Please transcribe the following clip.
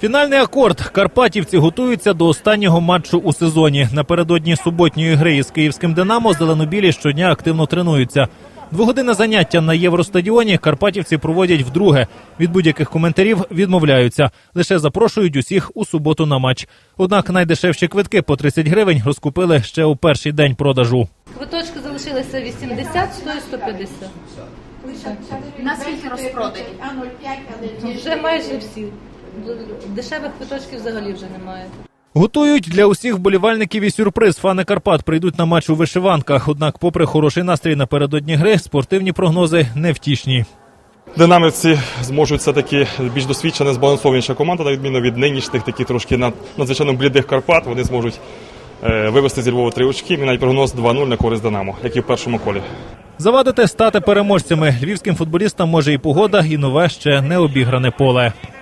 Фінальний акорд. Карпатівці готуються до останнього матчу у сезоні. Напередодні суботньої гри із київським «Динамо» зеленобілі щодня активно тренуються. Двогодинне заняття на Євростадіоні карпатівці проводять вдруге. Від будь-яких коментарів відмовляються. Лише запрошують усіх у суботу на матч. Однак найдешевші квитки по 30 гривень розкупили ще у перший день продажу. Квиточки залишилися 80, 100 і 150. Наскільки розпродані? Вже майже всі. Дешевих квиточків взагалі вже немає. Готують для усіх вболівальників і сюрприз. Фани Карпат прийдуть на матч у вишиванках. Однак, попри хороший настрій напередодні гри, спортивні прогнози невтішні. Динамівці зможуть все-таки більш досвідчена, збалансованіша команда, на відміну від нинішніх таких трошки надзвичайно блідих Карпат. Вони зможуть вивести зі Львова 3 очки. Мій прогноз 2-0 на користь «Динамо», як і в першому колі. Завадити стати переможцями львівським футболістам може і погода, і нове ще не обігране поле.